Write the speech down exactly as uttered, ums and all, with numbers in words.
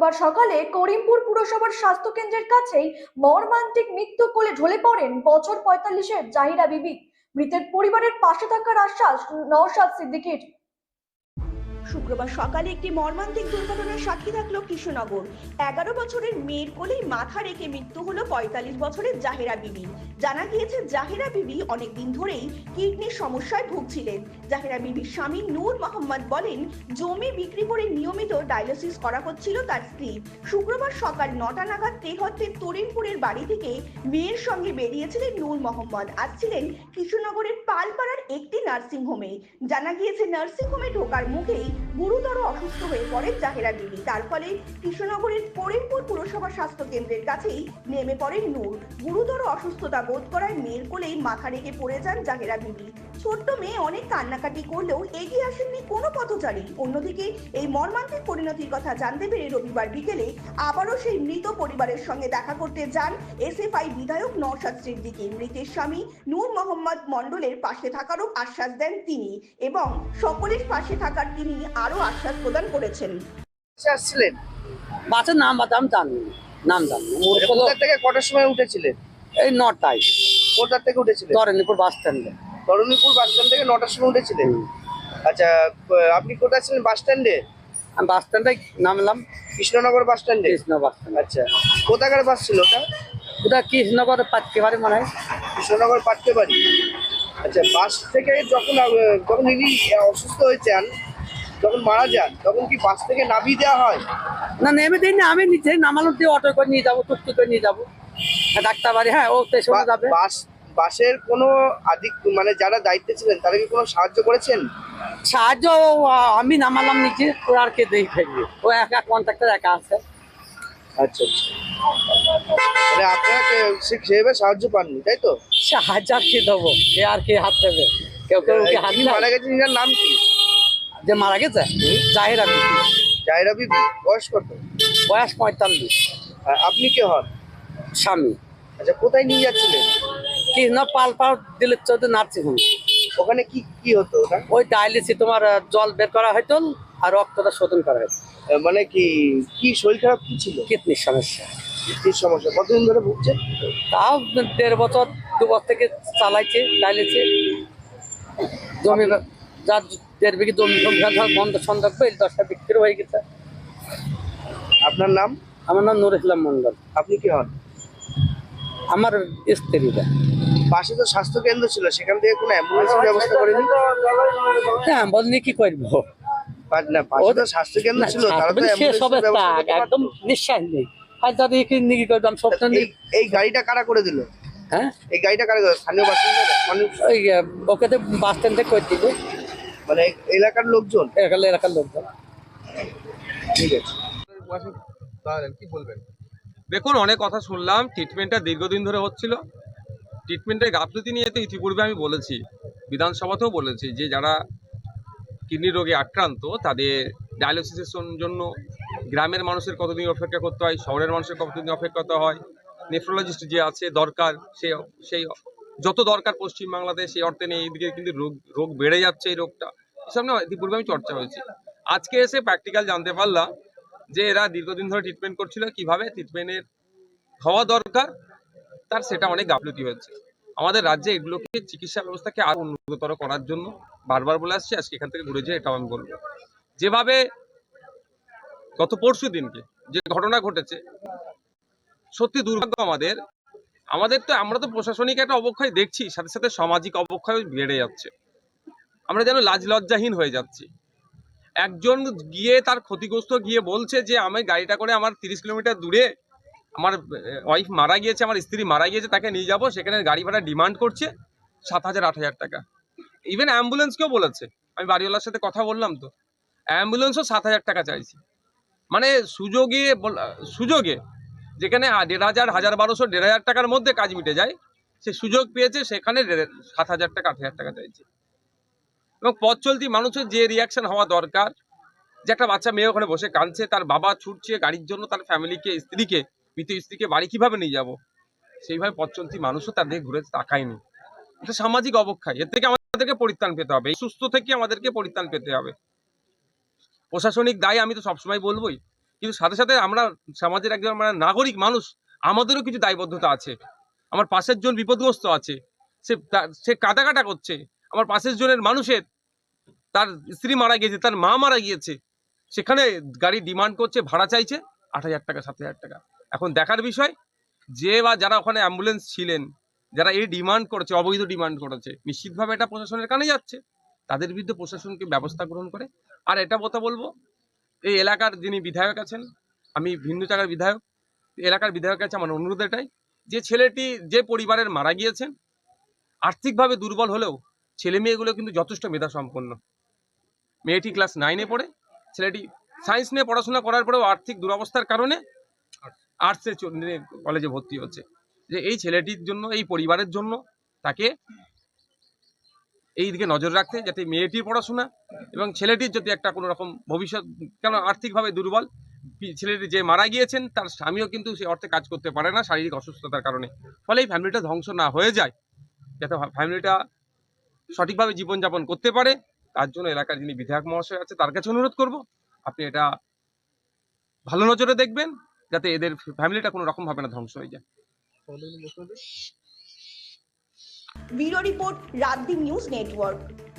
শুক্রবার সকালে করিমপুর পুরসভার স্বাস্থ্য কেন্দ্রের কাছেই মর্মান্তিক মৃত্যু কোলে ঢলে পড়েন বছর পঁয়তাল্লিশের জাহিরা বিবি। মৃতের পরিবারের পাশে থাকার আশ্বাস নওশাদ সিদ্দিকীর। শুক্রবার সকালে একটি মর্মান্তিক দুর্ঘটনার সাক্ষী থাকলো কৃষ্ণনগর। এগারো বছরের মেয়ের কোলেই মাথা রেখে মৃত্যু হলো পঁয়তাল্লিশ বছরের জাহেরা বিবি। জানা গিয়েছে জাহেরা বিবি অনেকদিন ধরেই কিডনির সমস্যায় ভুগছিলেন। জাহেরা বিবির স্বামী নূর মোহাম্মদ বলেন, জমি বিক্রি করে নিয়মিত ডায়ালিসিস করা হচ্ছিল তার স্ত্রী। শুক্রবার সকাল নটা নাগাদ তেহট্টের তরিনপুরের বাড়ি থেকে মেয়ের সঙ্গে বেরিয়েছিলেন নূর মোহাম্মদ। আসছিলেন কৃষ্ণনগরের পালপাড়ার একটি নার্সিংহোমে। জানা গিয়েছে নার্সিংহোমে ঢোকার মুখেই গুরুতর অসুস্থ হয়ে পড়েন জাহেরা বিবি। তার ফলে কৃষ্ণনগরের করিমপুর পুরসভা স্বাস্থ্য কেন্দ্রের কাছেই নেমে পড়েন নূর। গুরুতর অসুস্থতা বোধ করায় মেয়ের কোলেই মাথা রেখে পড়ে যান জাহেরা বিবি। ছোট্ট মেয়ে অনেক কান্নাকাটি করলেও এগিয়ে আসেননি কোনো পথচারী। অন্যদিকে এই মর্মান্তিক পরিণতির কথা জানতে পেরে রবিবার বিকেলে আবারও সেই মৃত পরিবারের সঙ্গে দেখা করতে যান এসএফআই বিধায়ক নওশাদ সিদ্দিকী। মৃতের স্বামী নূর মোহাম্মদ মণ্ডলের পাশে থাকারও আশ্বাস দেন তিনি এবং সকলের পাশে থাকার তিনি আরো আশ্বাস প্রদান করেছেন। আসছিলেন বাসের নাম বাতাম জানি নাম জানি কোথা থেকে কটার সময় উঠেছিলেন? এই নটায় কোথা থেকে উঠেছিলেন? তরণীপুর বাস স্ট্যান্ডে। তরুণীপুর বাস স্ট্যান্ড থেকে নটার সময় উঠেছিলেন? আচ্ছা, আপনি কোথায় ছিলেন? বাস স্ট্যান্ডে? আমি বাস স্ট্যান্ডে নামলাম। কৃষ্ণনগর বাস স্ট্যান্ডে? Krishna bus stand. আচ্ছা, কোথাকার বাস ছিল ওটা? ওটা কৃষ্ণনগর পাটকে বাড়ি মনে হয়। কৃষ্ণনগর পাটকে বাড়ি। আচ্ছা, বাস থেকে যখন যখন ইনি অসুস্থ হয়েছেন, যখন মারা যান, তখন কি বাস থেকে নামিয়ে দেওয়া হয়? না, নেমে দিই না, আমি নিচে নামানোর দিয়ে অটো করে নিয়ে যাবো, টুকটুক করে নিয়ে যাবো ডাক্তার বাড়ি। হ্যাঁ, ও স্টেশনে যাবে। বাস বাসের কোনো আধিক মানে যারা দায়িত্বে ছিলেন তারা কি কোনো সাহায্য করেছেন? সাহায্য আমি নামালাম নিচে, ওর আর কে দেখে ফেলবে, ও একা কন্ট্রাক্টর একা আছে। আচ্ছা আচ্ছা, মানে আপনারা সেভাবে সাহায্য পাননি, তাই তো? সাহায্য আর কে দেবো, কে আর কে হাত দেবে? কেউ কেউ হাত মারা গেছেন, এনার নাম কি? যে মারা গেছে জাহেরা বিবি। জাহেরা বিবি বয়স কত? বয়স পঁয়তাল্লিশ। আপনি কে হন? স্বামী। আচ্ছা, কোথায় নিয়ে যাচ্ছিলেন? কৃষ্ণ পালপাড় দিলীপ চৌধুরী নার্সিংহোম। ওখানে কি কি হতো ওটা? ওই ডায়ালিসিস তোমার জল বের করা হয়তো আর রক্তটা শোধন করা হয়তো। মানে কি কি শরীর খারাপ কি ছিল? কিডনির সমস্যা। কিডনির সমস্যা কতদিন ধরে ভুগছে? তাও দেড় বছর দু বছর থেকে চালাইছে ডায়ালিসিস। জমি যার দেড় বিঘি জমি বন্ধ সন্দর্ভ এই দশটা বিক্রি হয়ে গেছে। আপনার নাম? আমার নাম নুর ইসলাম মন্ডল। আপনি কি হন? আমার স্ত্রীরা। পাশে তো স্বাস্থ্য কেন্দ্র ছিল, সেখান থেকে কোনো অ্যাম্বুলেন্সের ব্যবস্থা করেনি? হ্যাঁ, বলনি কি করবো, না পাশে তো স্বাস্থ্য কেন্দ্র ছিল, তারা তো অ্যাম্বুলেন্সের ব্যবস্থা করতে পারতো। একদম নিশ্চয় নেই। আর যদি কি করতাম সব। এই গাড়িটা কারা করে দিল? হ্যাঁ, এই গাড়িটা কারা করে? স্থানীয় বাসিন্দা মানুষ? ওই ওকে তো বাস স্ট্যান্ড থেকে করে দিল, মানে এলাকার লোকজন? এলাকার এলাকার লোকজন। ঠিক আছে, কি বলবেন? দেখুন, অনেক কথা শুনলাম। ট্রিটমেন্টটা দীর্ঘদিন ধরে হচ্ছিল। ট্রিটমেন্টের গাফিলতি নিয়ে তো ইতিপূর্বে আমি বলেছি, বিধানসভাতেও বলেছি, যে যারা কিডনি রোগে আক্রান্ত তাদের ডায়ালিসিসের জন্য গ্রামের মানুষের কতদিন অপেক্ষা করতে হয়, শহরের মানুষের কতদিন অপেক্ষা করতে হয়, নেফ্রোলজিস্ট যে আছে দরকার, সেই সেই যত দরকার পশ্চিমবাংলাতে সেই অর্থে নেই। এইদিকে কিন্তু রোগ রোগ বেড়ে যাচ্ছে, এই রোগটা এসব নিয়ে ইতিপূর্বে আমি চর্চা হয়েছে। আজকে এসে প্র্যাকটিক্যাল জানতে পারলাম যে এরা দীর্ঘদিন ধরে ট্রিটমেন্ট করছিল, কিভাবে ট্রিটমেন্টের হওয়া দরকার তার সেটা অনেক গাফিলতি হয়েছে। আমাদের রাজ্যে এগুলোকে চিকিৎসা ব্যবস্থাকে আরো উন্নততর করার জন্য বারবার বলে আসছি, আজকে এখান থেকে ঘুরে যেয়ে এটাও আমি বলবো। যেভাবে গত পরশু দিনকে যে ঘটনা ঘটেছে, সত্যি দুর্ভাগ্য আমাদের আমাদের তো আমরা তো প্রশাসনিক একটা অবক্ষয় দেখছি, সাথে সাথে সামাজিক অবক্ষয় বেড়ে যাচ্ছে। আমরা যেন লাজ লজ্জাহীন হয়ে যাচ্ছি। একজন গিয়ে তার ক্ষতিগ্রস্ত গিয়ে বলছে যে আমি গাড়িটা করে আমার তিরিশ কিলোমিটার দূরে আমার ওয়াইফ মারা গিয়েছে, আমার স্ত্রী মারা গিয়েছে, তাকে নিয়ে যাব, সেখানে গাড়ি ভাড়া ডিমান্ড করছে সাত হাজার আট হাজার টাকা। ইভেন অ্যাম্বুলেন্সকেও বলেছে, আমি বাড়িওয়ালার সাথে কথা বললাম, তো অ্যাম্বুলেন্সও সাত হাজার টাকা চাইছি। মানে সুযোগে সুযোগে যেখানে দেড় হাজার হাজার বারোশো দেড় হাজার টাকার মধ্যে কাজ মিটে যায়, সে সুযোগ পেয়েছে সেখানে সাত হাজার টাকা আট হাজার টাকা চাইছে। এবং পথ চলতি মানুষের যে রিয়াকশন হওয়া দরকার, যে একটা বাচ্চা মেয়ে ওখানে বসে কাঁদছে, তার বাবা ছুটছে গাড়ির জন্য, তার ফ্যামিলিকে, স্ত্রীকে, মৃত স্ত্রীকে বাড়ি কিভাবে নিয়ে যাব, সেইভাবে পথ চলতি মানুষও তাদের ঘুরে তাকায়নি। এটা সামাজিক অবক্ষয়। এর থেকে আমাদেরকে পরিত্রাণ পেতে হবে, এই সুস্থ থেকে আমাদেরকে পরিত্রাণ পেতে হবে। প্রশাসনিক দায় আমি তো সবসময় বলবোই, কিন্তু সাথে সাথে আমরা সমাজের একজন আমরা নাগরিক মানুষ, আমাদেরও কিছু দায়বদ্ধতা আছে। আমার পাশের জন বিপদগ্রস্ত আছে, সে তা- সে কাটা কাটা করছে, আমার পাশের জনের মানুষের তার স্ত্রী মারা গিয়েছে, তার মা মারা গিয়েছে, সেখানে গাড়ি ডিমান্ড করছে, ভাড়া চাইছে আট হাজার টাকা সাত হাজার টাকা। এখন দেখার বিষয় যে বা যারা ওখানে অ্যাম্বুলেন্স ছিলেন, যারা এই ডিমান্ড করেছে, অবৈধ ডিমান্ড করেছে, নিশ্চিতভাবে এটা প্রশাসনের কানে যাচ্ছে, তাদের বিরুদ্ধে প্রশাসনকে ব্যবস্থা গ্রহণ করে। আর এটা কথা বলবো, এই এলাকার যিনি বিধায়ক আছেন, আমি ভিন্ন জায়গার বিধায়ক, এলাকার বিধায়কের কাছে আমার অনুরোধ এটাই যে ছেলেটি যে পরিবারের মারা গিয়েছেন, আর্থিকভাবে দুর্বল হলেও ছেলে মেয়েগুলো কিন্তু যথেষ্ট মেধা সম্পন্ন। মেয়েটি ক্লাস নাইনে পড়ে, ছেলেটি সায়েন্স নিয়ে পড়াশোনা করার পরেও আর্থিক দুরবস্থার কারণে আর্টসে কলেজে ভর্তি হচ্ছে। যে এই ছেলেটির জন্য, এই পরিবারের জন্য তাকে এই দিকে নজর রাখতে, যাতে মেয়েটির পড়াশোনা এবং ছেলেটির যদি একটা কোনো রকম ভবিষ্যৎ, কেন আর্থিকভাবে দুর্বল, ছেলেটি যে মারা গিয়েছেন তার স্বামীও কিন্তু সে অর্থে কাজ করতে পারে না শারীরিক অসুস্থতার কারণে, ফলে এই ফ্যামিলিটা ধ্বংস না হয়ে যায়, যাতে ফ্যামিলিটা সঠিকভাবে জীবনযাপন করতে পারে, তার জন্য এলাকার যিনি বিধায়ক মহাশয় আছে তার কাছে অনুরোধ করব আপনি এটা ভালো নজরে দেখবেন, যাতে এদের ফ্যামিলিটা কোনো রকম ভাবে না ধ্বংস হয়ে যায়। Bureau report, Raatdin news network.